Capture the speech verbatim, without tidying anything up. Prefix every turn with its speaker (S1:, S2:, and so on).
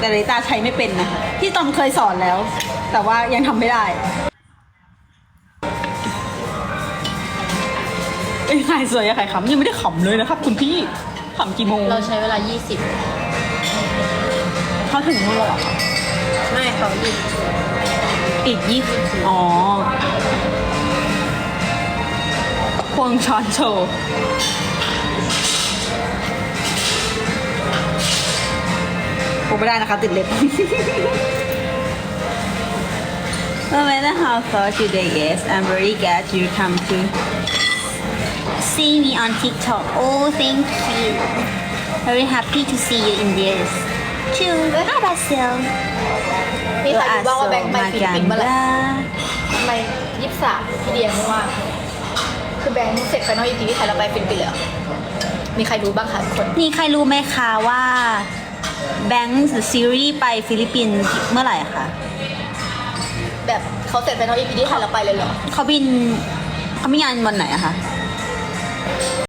S1: แต่ลิตาใช้ไม่เป็นนะพี่ตอมเคยสอนแล้ว แต่ว่ายังทำไม่ได้ไอ้ยขายสวยอะขายขำยังไม่ได้ขำเลยนะครับ คุณพี่ขำกี่โมง
S2: เราใช้เวลายี่สิบ
S1: เขาถึงนู่นแล้วเหรอ
S2: ไม่เขาอีก
S1: อีกยี่สิบอ๋อควงช้อนโชว์ผมไม่ได้นะคะติดเล็บ No matter how far today is, I'm very glad you come to see me on TikTok. Oh, thank you. Very happy to see you in this. Too. How about you?
S2: มีใครรู้บ้างว่าแบงค์ไปฟิลิปปินส์เมื่อไหร่
S1: Maganda.
S2: ทำไมยี่สิบสามพี่เดียไม่ว่างคือแบงค์เสร็จไฟนอลอีพีที่ไทยเราไปฟิลิปปินส์เลยเหรอมีใครรู้บ้างคะทุกคน
S1: มีใครรู้ไหมคะว่าแบงค์ซีรีส์ไปฟิลิปปินส์เมื่อไหร่คะ
S2: แบบเขาเสร็จไฟนอลอีพีที่ไทยเราไปเลยเหรอ
S1: เขาบินเขามีงานวันไหนอะคะ